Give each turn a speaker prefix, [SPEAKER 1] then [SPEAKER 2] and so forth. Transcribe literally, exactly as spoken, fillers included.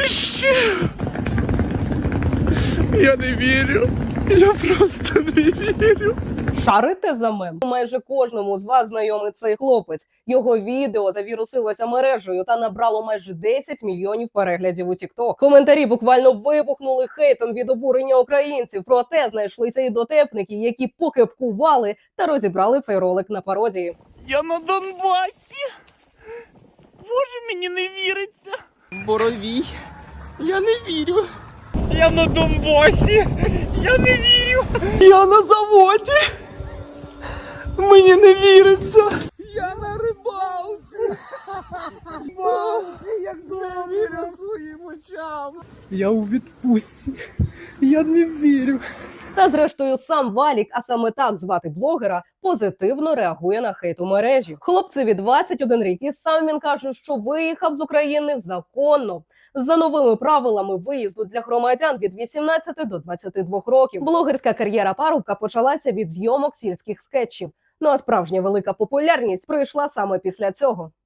[SPEAKER 1] Нарешті! Я не вірю. Я просто не вірю.
[SPEAKER 2] Шарите за мем? Майже кожному з вас знайомий цей хлопець. Його відео завірусилося мережею та набрало майже десять мільйонів переглядів у TikTok. Коментарі буквально вибухнули хейтом від обурення українців. Проте знайшлися і дотепники, які покепкували та розібрали цей ролик на пародії.
[SPEAKER 1] Я на Донбасі. Боже, мені не віриться. Боровій. Я не вірю. Я на Донбасі. Я не вірю. Я на заводі. Мені не віриться. Я на рибалці. Боже, як не вірю своїм очам. Я у відпустці. Я не вірю.
[SPEAKER 2] Та зрештою сам Валік, а саме так звати блогера, позитивно реагує на хейт у мережі. Хлопцеві двадцять один рік, і сам він каже, що виїхав з України законно. За новими правилами виїзду для громадян від вісімнадцяти до двадцяти двох років. Блогерська кар'єра парубка почалася від зйомок сільських скетчів. Ну а справжня велика популярність прийшла саме після цього.